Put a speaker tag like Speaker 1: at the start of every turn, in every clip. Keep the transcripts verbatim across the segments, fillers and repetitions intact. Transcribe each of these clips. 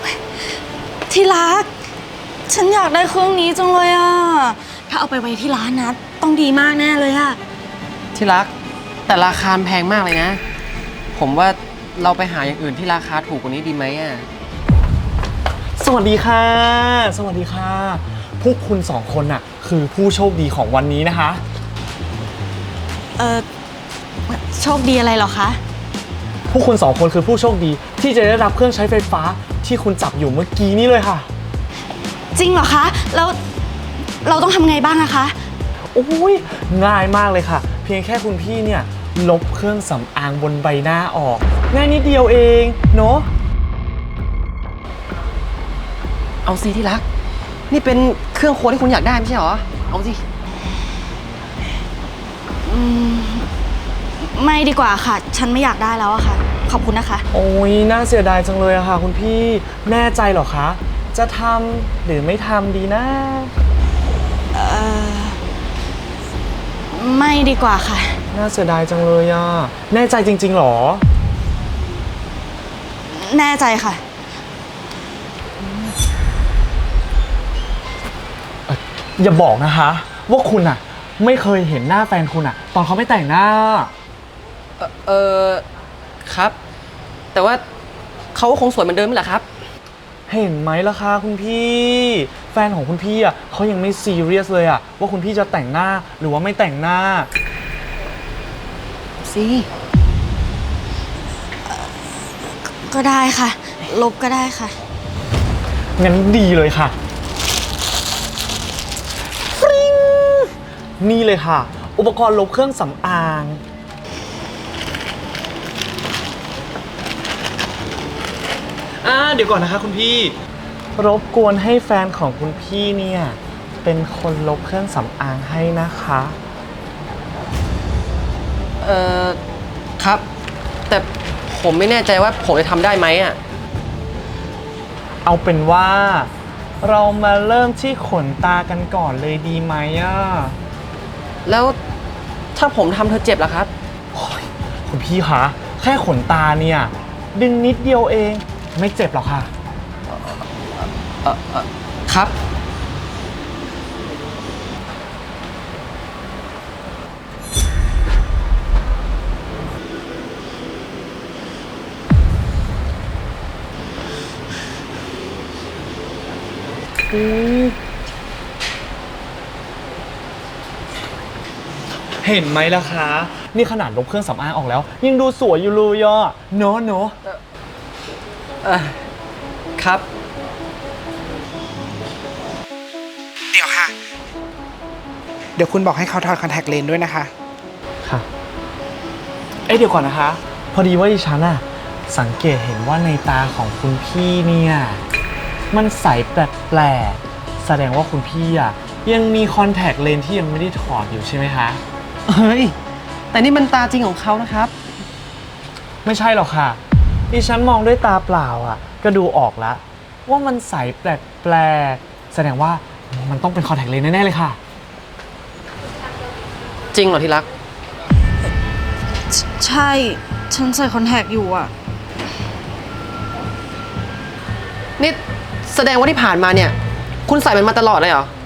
Speaker 1: ที่รักฉันอยากได้เครื่องนี้จังเลยอะถ้าเอาไปไว้ที่ร้านนะต้องดีมากแน่เลยอะ
Speaker 2: ที่รักแต่ราคาแพงมากเลยนะผมว่าเราไปหาอย่างอื่นที่ราคาถูกกว่านี้ดีไหมอ่ะ
Speaker 3: สวัสดีค่ะสวัสดีค่ะพวกคุณสองคนน่ะคือผู้โชคดีของวันนี้นะคะ
Speaker 1: เออโชคดีอะไรเหรอคะ
Speaker 3: พวกคุณสองคนคือผู้โชคดีที่จะได้รับเครื่องใช้ไฟฟ้าที่คุณจับอยู่เมื่อกี้นี้เลยค่ะ
Speaker 1: จริงเหรอคะแล้วเราต้องทำไงบ้างอะคะ
Speaker 3: โอ้ยง่ายมากเลยค่ะเพียงแค่คุณพี่เนี่ยลบเครื่องสำอางบนใบหน้าออกง่ายนิดเดียวเองเนาะ
Speaker 2: เอาสิที่รักนี่เป็นเครื่องครัวที่คุณอยากได้ไม่ใช่หรอเอาสิ
Speaker 1: อืมไม่ดีกว่าค่ะฉันไม่อยากได้แล้วอะค่ะขอบคุณนะคะ
Speaker 3: โอ้ยน่าเสียดายจังเลยอะค่ะคุณพี่แน่ใจเหรอคะจะทำหรือไม่ทำดีนะ
Speaker 1: เออไม่ดีกว่าค่ะ
Speaker 3: น่าเสียดายจังเลยอะแน่ใจจริงๆหรอ
Speaker 1: แน่ใจค่ะ
Speaker 3: อย่าบอกนะคะว่าคุณอะไม่เคยเห็นหน้าแฟนคุณอะตอนเขาไม่แต่งหน้า
Speaker 2: เออเออครับแต่ว่าเขาคงสวยเหมือนเดิมแหละครับ
Speaker 3: เห็นไหมล่ะคะคุณพี่แฟนของคุณพี่อะเขายังไม่ซีเรียสเลยอะว่าคุณพี่จะแต่งหน้าหรือว่าไม่แต่งหน้า
Speaker 2: สิ
Speaker 1: ก็ได้ค่ะลบก็ได้ค่ะ
Speaker 3: งั้นดีเลยค่ะฟริ้งนี่เลยค่ะอุปกรณ์ลบเครื่องสำอางอ่าเดี๋ยวก่อนนะคะคุณพี่รบกวนให้แฟนของคุณพี่เนี่ยเป็นคนลบเครื่องสำอางให้นะคะ
Speaker 2: เอ่อครับแต่ผมไม่แน่ใจว่าผมจะทำได้ไหมอ่ะ
Speaker 3: เอาเป็นว่าเรามาเริ่มที่ขนตากันก่อนเลยดีไหมอ่ะ
Speaker 2: แล้วถ้าผมทำเธอเจ็บล่ะครับ
Speaker 3: คุณพี่คะแค่ขนตาเนี่ยดึงนิดเดียวเองไม่เจ็บหรอกค่ะ
Speaker 2: เออเออครับ
Speaker 3: เห็นไหมล่ะคะนี่ขนาดลบเครื่องสำอางออกแล้วยังดูสวยอยู่เลยอ่ะเนอะเนอะ
Speaker 2: เออครับ
Speaker 4: เดี๋ยวค่ะเดี๋ยวคุณบอกให้เขาถอดคอนแทคเลนส์ด้วยนะคะ
Speaker 3: ค่ะเอ๊ะเดี๋ยวก่อนนะคะพอดีว่าดิฉันอะสังเกตเห็นว่าในตาของคุณพี่เนี่ยมันใสแปลกๆแสดงว่าคุณพี่อะยังมีคอนแทคเลนส์ที่ยังไม่ได้ถอดอยู่ใช่ไหมคะ
Speaker 2: เฮ้ยแต่นี่มันตาจริงของเขานะครับ
Speaker 3: ไม่ใช่หรอกค่ะดิฉันมองด้วยตาเปล่าอะก็ดูออกแล้วว่ามันใสแปลกๆแสดงว่ามันต้องเป็นคอนแทคเลนส์แน่ๆเลยค่ะ
Speaker 2: จริงเหรอที่รัก
Speaker 1: ใช่ฉันใส่คอนแทคอยู่อะ
Speaker 2: นี่แสดงว่าที่ผ่านมาเนี่ยคุณใส่มันมาตลอดเลยเหรอ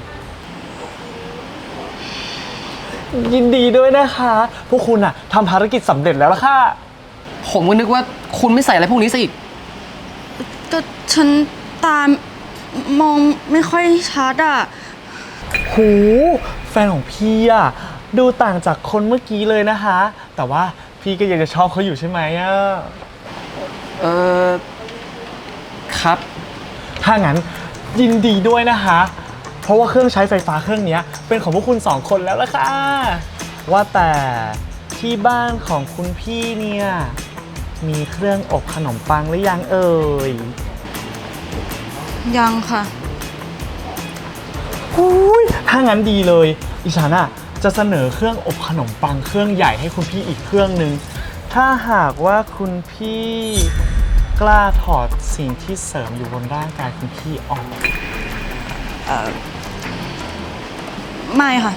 Speaker 3: ยินดีด้วยนะคะพวกคุณอะทำภารกิจสำเร็จแล้วล่ะค่ะ
Speaker 2: ผมก็นึกว่าคุณไม่ใส่อะไรพวกนี้ซะอีก
Speaker 1: ก็ฉันตามมองไม่ค่อยชัดอะ
Speaker 3: หูแฟนของพี่อะดูต่างจากคนเมื่อกี้เลยนะคะแต่ว่าพี่ก็ยังจะชอบเขาอยู่ใช่ไหมอะ
Speaker 2: เออครับ
Speaker 3: ถ้างั้นยินดีด้วยนะคะเพราะว่าเครื่องใช้ไฟฟ้าเครื่องนี้เป็นของพวกคุณสองคนแล้วล่ะค่ะว่าแต่ที่บ้านของคุณพี่เนี่ยมีเครื่องอบขนมปังหรือยังเอ่ย
Speaker 1: ยังค่ะ
Speaker 3: หูยถ้างั้นดีเลยดิฉันอะจะเสนอเครื่องอบขนมปังเครื่องใหญ่ให้คุณพี่อีกเครื่องนึงถ้าหากว่าคุณพี่กล้าถอดสิ่งที่เสริมอยู่บนร่างกายคุณพี่ออก
Speaker 1: เอ่อไม่ค่ะ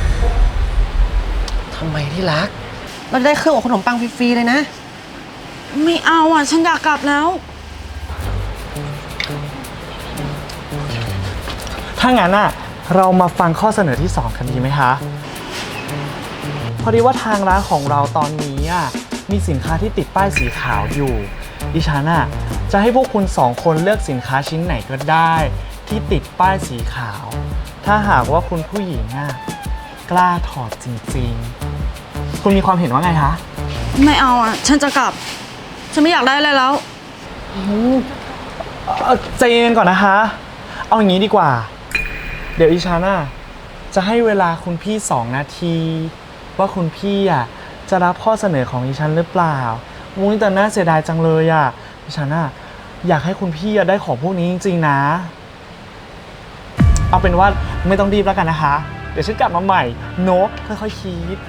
Speaker 2: ทำไมที่รักเราได้เครื่องอบขนมปังฟรีๆเลยนะ
Speaker 1: ไม่เอาอ่ะ ฉันอยากกลับแล้ว
Speaker 3: ถ้างั้นอ่ะเรามาฟังข้อเสนอที่สองกันดีไหมคะ พอดีว่าทางร้านของเราตอนนี้อ่ะมีสินค้าที่ติดป้ายสีขาวอยู่ดิฉันอ่ะจะให้พวกคุณสองคนเลือกสินค้าชิ้นไหนก็ได้ ที่ติดป้ายสีขาว ถ้าหากว่าคุณผู้หญิงอ่ะกล้าถอดจริงๆ คุณมีความเห็นว่าไงคะ
Speaker 1: ไม่เอาอ่ะ ฉันจะกลับ ฉันไม่อยากได้อะไรแล้ว
Speaker 3: เอ่อใจเย็นก่อนนะคะ เอาอย่างนี้ดีกว่า เดี๋ยวอีชาน่ะจะให้เวลาคุณพี่สองนาที ว่าคุณพี่อ่ะจะรับข้อเสนอของอีชันหรือเปล่ามุ้ยแต่น่าเสียดายจังเลยอ่ะอีชันน่ะอยากให้คุณพี่อ่ะได้ของพวกนี้จริงๆนะ เอาเป็นว่าไม่ต้องรีบแล้วกันนะคะ เดี๋ยวฉันกลับมาใหม่โน้ค่อยๆคิด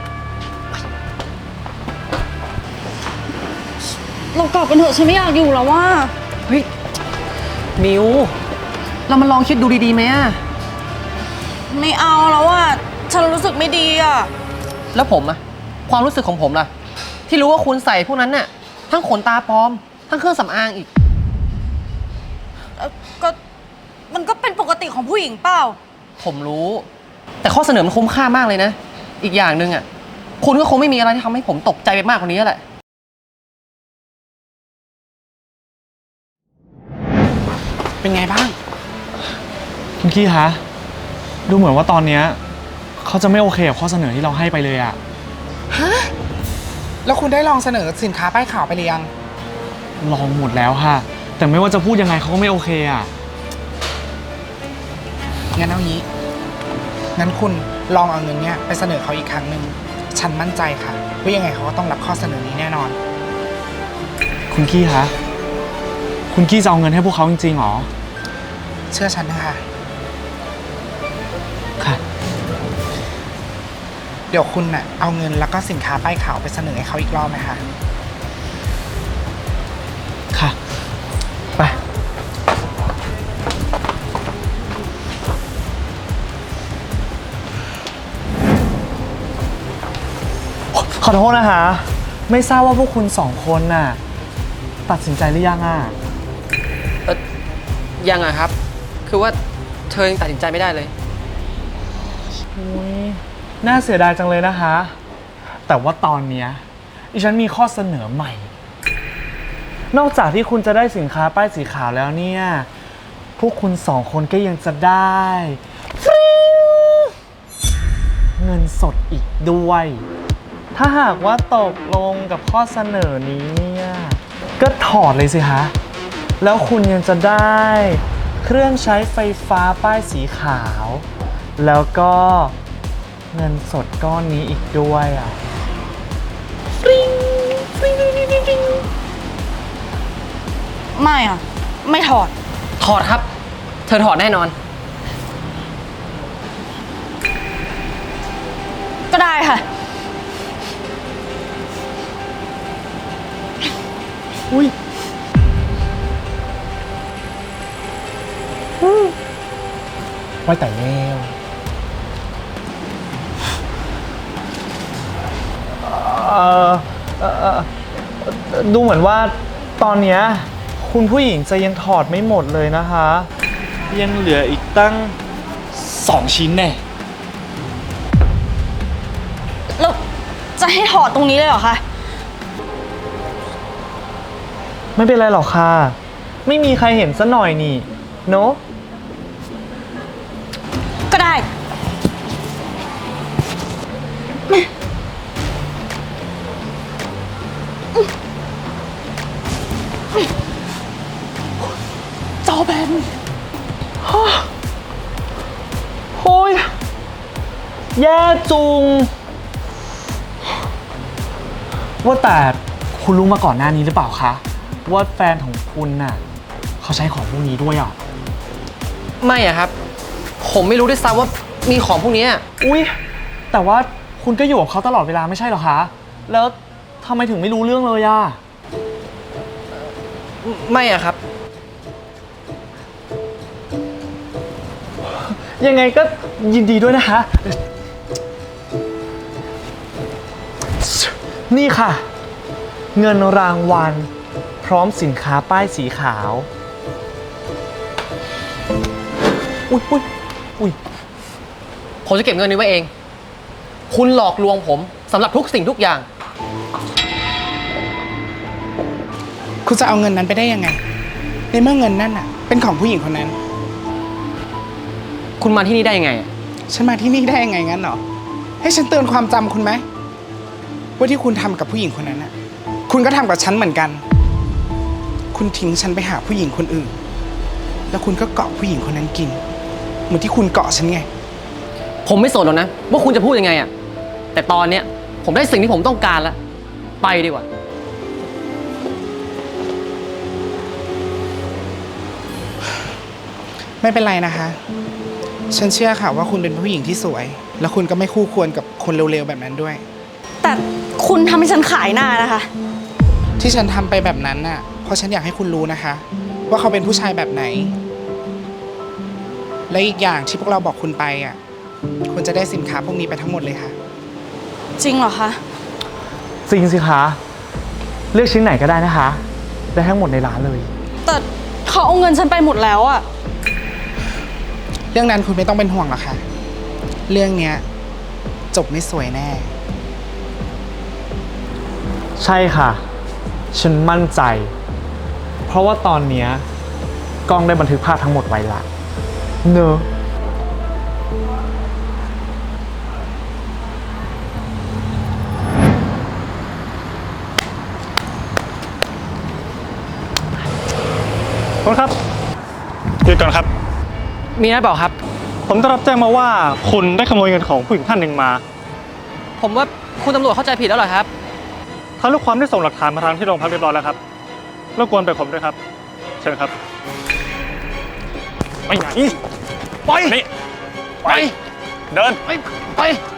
Speaker 1: เรากลับกันเถอะฉันไม่อยากอยู่แล้วว่า
Speaker 2: เฮ้ย มิว เรามาลองคิดดูดีๆไหมอะ
Speaker 1: ไม่เอาแล้วอ่ะ ฉันรู้สึกไม่ดีอ่ะ
Speaker 2: แล้วผมอะความรู้สึกของผมล่ะ ที่รู้ว่าคุณใส่พวกนั้นน่ะ ทั้งขนตาปลอม ทั้งเครื่องสำอางอีก
Speaker 1: เอ่อก็มันก็เป็นปกติของผู้หญิงเปล่า
Speaker 2: ผมรู้ แต่ข้อเสนอมันคุ้มค่ามากเลยนะ อีกอย่างหนึ่งอะคุณก็คงไม่มีอะไรที่ทำให้ผมตกใจไปมากกว่านี้แล้วแหละ
Speaker 4: เป็นไงบ้าง
Speaker 3: คุณกี้คะดูเหมือนว่าตอนเนี้ยเขาจะไม่โอเคกับข้อเสนอที่เราให้ไปเลยอะ
Speaker 4: ฮะ แล้วคุณได้ลองเสนอสินค้าป้ายขาวไปหรือยัง
Speaker 3: ลองหมดแล้วค่ะ แต่ไม่ว่าจะพูดยังไงเขาก็ไม่โอเคอะ
Speaker 4: งั้นเอางี้ งั้นคุณลองเอาเงินเนี้ยไปเสนอเขาอีกครั้งหนึ่ง ฉันมั่นใจค่ะว่ายังไงเขาก็ต้องรับข้อเสนอนี้แน่นอน
Speaker 3: คุณกี้คะคุณกี้จะเอาเงินให้พวกเขาจริงๆหรอ
Speaker 4: เชื่อฉันนะคะ
Speaker 3: ค่ะ
Speaker 4: เดี๋ยวคุณน่ะเอาเงินแล้วก็สินค้าป้ายขาวไปเสนอให้เขาอีกรอบไหมคะ
Speaker 3: ค่ะ ไป ขอโทษนะคะ ไม่ทราบว่าพวกคุณสองคนน่ะตัดสินใจหรือยังอ่ะ
Speaker 2: เออยังอะครับ คือว่าเธอยังตัดสินใจไม่ได้เลย
Speaker 3: อุ๊ยน่าเสียดายจังเลยนะคะ แต่ว่าตอนเนี้ยดิฉันมีข้อเสนอใหม่ นอกจากที่คุณจะได้สินค้าป้ายสีขาวแล้วเนี่ย พวกคุณสองคนก็ยังจะได้ฟริ้งเงินสดอีกด้วย ถ้าหากว่าตกลงกับข้อเสนอนี้เนี่ย ก็ถอดเลยสิคะ แล้วคุณยังจะได้เครื่องใช้ไฟฟ้าป้ายสีขาว แล้วก็เงินสดก้อนนี้อีกด้วยอ่ะฟริ้งฟริ้งฟริ้งฟริ้งฟริ้ง
Speaker 1: ไม่อ่ะ ไม่ถอด
Speaker 2: ถอดครับ เธอถอดแน่นอน
Speaker 1: ก็ได้ค่ะ
Speaker 3: อุ้ยไว้แต่แล้วเอ่อเอ่อเอ่อดูเหมือนว่าตอนเนี้ยคุณผู้หญิงจะยังถอดไม่หมดเลยนะคะ ยังเหลืออีกตั้งสองชิ้นแน่
Speaker 1: แล้วจะให้ถอดตรงนี้เลยเหรอคะ
Speaker 3: ไม่เป็นไรหรอกค่ะ ไม่มีใครเห็นซะหน่อยนี่เนอะ
Speaker 1: ก็ได้
Speaker 3: จอแบนฮะโอ้ยแย่จุง ว่าแต่คุณรู้มาก่อนหน้านี้หรือเปล่าคะ ว่าแฟนของคุณน่ะเขาใช้ของพวกนี้ด้วยอ่ะ
Speaker 2: ไม่อะครับ ผมไม่รู้ด้วยซ้ำว่ามีของพวกนี้
Speaker 3: อุ๊ย แต่ว่าคุณก็อยู่กับเขาตลอดเวลาไม่ใช่เหรอคะ แล้วทำไมถึงไม่รู้เรื่องเลยอ่ะ
Speaker 2: ไม่อะครับ
Speaker 3: ยังไงก็ยินดีด้วยนะคะ นี่ค่ะเงินรางวัลพร้อมสินค้าป้ายสีขาว อุ้ยอุ้ยอุ้ย
Speaker 2: ผมจะเก็บเงินนี้ไว้เอง คุณหลอกลวงผมสำหรับทุกสิ่งทุกอย่าง
Speaker 4: คุณจะเอาเงินนั้นไปได้ยังไง ในเมื่อเงินนั่นอ่ะ เป็นของผู้หญิงคนนั้น
Speaker 2: คุณมาที่นี่ได้ยังไงอะ
Speaker 4: ฉันมาที่นี่ได้ยังไงงั้นเหรอ ให้ฉันเตือนความจำคุณไหมว่าที่คุณทำกับผู้หญิงคนนั้นอ่ะ คุณก็ทำกับฉันเหมือนกัน คุณทิ้งฉันไปหาผู้หญิงคนอื่น แล้วคุณก็เกาะผู้หญิงคนนั้นกิน เหมือนที่คุณเกาะฉันไง
Speaker 2: ผมไม่สนหรอกนะ ว่าคุณจะพูดยังไงอะแต่ตอนเนี้ยผมได้สิ่งที่ผมต้องการแล้ว ไปดีกว่า
Speaker 4: ไม่เป็นไรนะคะ ฉันเชื่อค่ะว่าคุณเป็นผู้หญิงที่สวย แล้วคุณก็ไม่คู่ควรกับคนเร็วๆแบบนั้นด้วย
Speaker 1: แต่คุณทำให้ฉันขายหน้านะคะ
Speaker 4: ที่ฉันทำไปแบบนั้นน่ะ เพราะฉันอยากให้คุณรู้นะคะ ว่าเขาเป็นผู้ชายแบบไหน และอีกอย่างที่พวกเราบอกคุณไปอ่ะ คุณจะได้สินค้าพวกนี้ไปทั้งหมดเลยค่ะ
Speaker 1: จริงเหรอคะ
Speaker 3: จริงสิคะ เลือกชิ้นไหนก็ได้นะคะ ได้ทั้งหมดในร้านเลย
Speaker 1: แต่เขาเอาเงินฉันไปหมดแล้วอะ
Speaker 4: เรื่องนั้นคุณไม่ต้องเป็นห่วงหรอกค่ะ เรื่องเนี้ยจบไม่สวยแน่
Speaker 3: ใช่ค่ะ ฉันมั่นใจ เพราะว่าตอนเนี้ยกล้องได้บันทึกภาพทั้งหมดไว้ละเนอะ
Speaker 5: คุณครับหยุดก่อนครับ
Speaker 2: มีอะไรเปล่าครับ
Speaker 5: ผมได้รับแจ้งมาว่าคุณได้ขโมยเงินของผู้หญิงท่านหนึ่งมา
Speaker 2: ผมว่าคุณตำรวจเข้าใจผิดแล้วเหรอครับ
Speaker 5: ทางลูกความได้ส่งหลักฐานมาทางที่โรงพักเรียบร้อยแล้วครับรบกวนไปผมด้วยครับ เชิญครับไปไหนไปนี่ไป เดิน
Speaker 2: ไป ไป